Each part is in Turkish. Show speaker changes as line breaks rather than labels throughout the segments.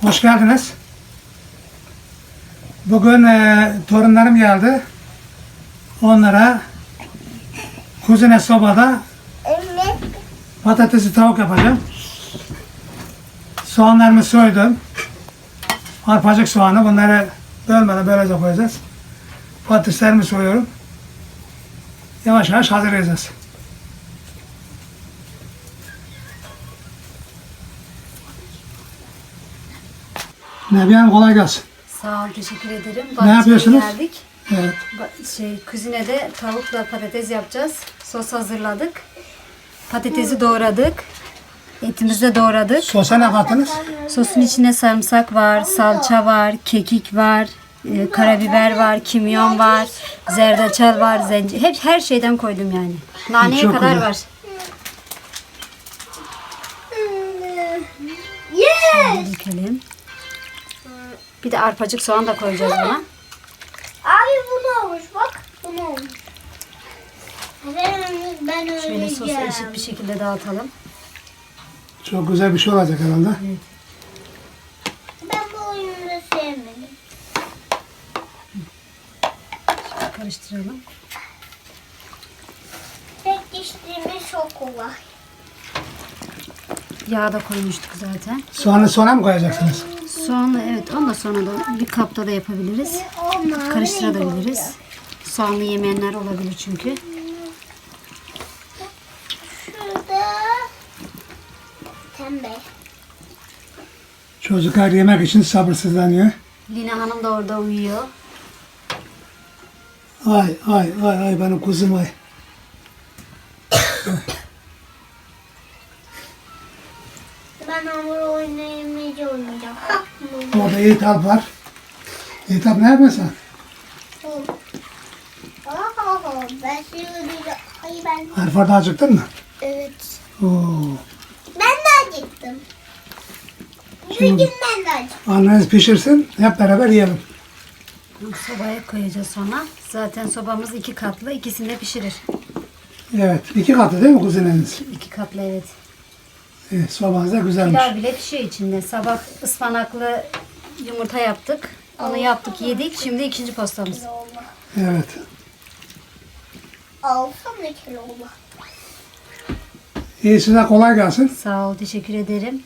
Hoş geldiniz. Bugün torunlarım geldi. Onlara kuzine sobada patatesli tavuk yapacağım. Soğanlarımı soydum. Arpacık soğanı, bunları bölmeden böylece koyacağız. Patateslerimi soyuyorum. Yavaş yavaş hazırlayacağız. Nebiye Hanım, kolay gelsin.
Sağ ol, teşekkür ederim.
Ne yapıyorsunuz?
Geldik.
Evet.
Kuzinede tavukla patates yapacağız. Sos hazırladık. Patatesi doğradık. Etimizi de doğradık.
Sosa ne kattınız?
Sosun içine sarımsak var, salça var, kekik var, karabiber var, kimyon var, zerdeçal var, hep her şeyden koydum yani. Naneye
Çok
kadar
güzel.
var. Şöyle dökelim. Bir de arpacık soğan da koyacağız buna.
Abi bu ne olmuş bak. Bu ne olmuş. Ben
Şöyle sosu
öleceğim.
eşit bir şekilde dağıtalım.
Çok güzel bir şey olacak herhalde.
Ben bu oyunu sevmedim.
Karıştıralım.
Tek dişliğimiz çok kolay.
Yağ da koymuştuk zaten.
Soğanı sona mı koyacaksınız?
Soğanla evet, onu da sonra da bir kapta da yapabiliriz. Karıştırabiliriz. Soğanlı yemeyenler olabilir çünkü.
Şurada tembel.
Çocuklar yemek için sabırsızlanıyor.
Lina Hanım da orada uyuyor.
Ay ay ay ay benim kuzum ay.
Ben hamur oynayamayınca oynayacağım.
Orada Yiğitap var. Yiğitap ne yapıyorsun?
Ben sürüyorum. Hayır ben.
Harfarda acıktın mı?
Evet.
Oo.
Ben de acıktım. Bugün ben de acıktım.
Anneniz pişirsin, hep beraber yiyelim.
Sobaya koyacağız sonra. Zaten sobamız 2 katlı. İkisini de pişirir.
Evet, 2 katı değil mi kuzineniz?
2 katlı evet.
Sobanız da güzelmiş.
Pilav bile pişiyor içinde. Sabah ıspanaklı yumurta yaptık. Onu yaptık, yedik. Şimdi ikinci postamız.
Evet.
Alsam ne kilo olur?
İyi, size kolay gelsin.
Sağ ol, teşekkür ederim.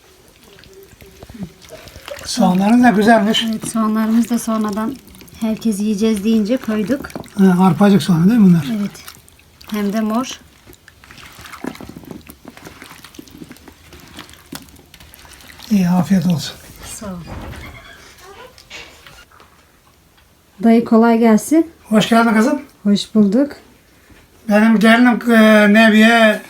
Soğanlarınız da güzelmiş.
Evet, soğanlarımızı da sonradan herkes yiyeceğiz deyince koyduk.
Ha, arpacık soğanı değil mi bunlar?
Evet. Hem de mor.
İyi, afiyet olsun.
Sağ ol. Dayı kolay gelsin.
Hoş geldin kızım.
Hoş bulduk.
Benim gelinim Nebiye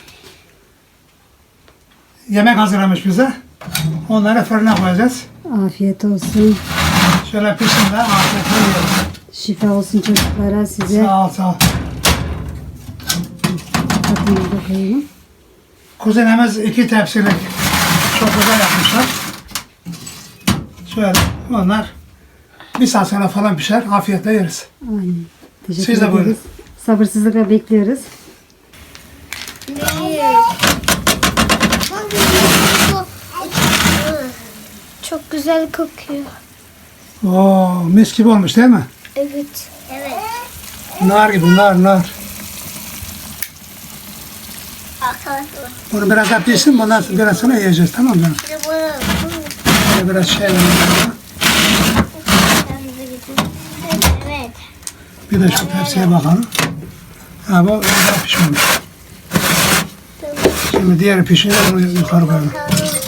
yemek hazırlamış bize. Onları fırına koyacağız.
Afiyet olsun.
Şöyle pişsin de afiyetle yiyelim.
Şifa olsun çocuklara, size.
Sağ ol, sağ ol.
Tatlıya da koyalım.
Kuzenimiz 2 tepsilik çok güzel yapmışlar. Şöyle onlar bir saat sonra falan pişer. Afiyetle yeriz.
Aynen. Teşekkür
Siz de
ederiz.
buyurun.
Sabırsızlıkla bekliyoruz.
Çok güzel kokuyor.
Oo, mis gibi olmuş değil mi?
Evet. Evet.
Nar gibi, nar.
Arkadaşlar.
Bunu biraz daha pişsin, bundan biraz sonra yiyeceğiz, tamam mı? Böyle biraz şey verelim.
Evet.
Bir de şu tepsiye bakalım. Ha, bu daha pişmemiş. Şimdi diğeri pişince bunu yukarı koyalım.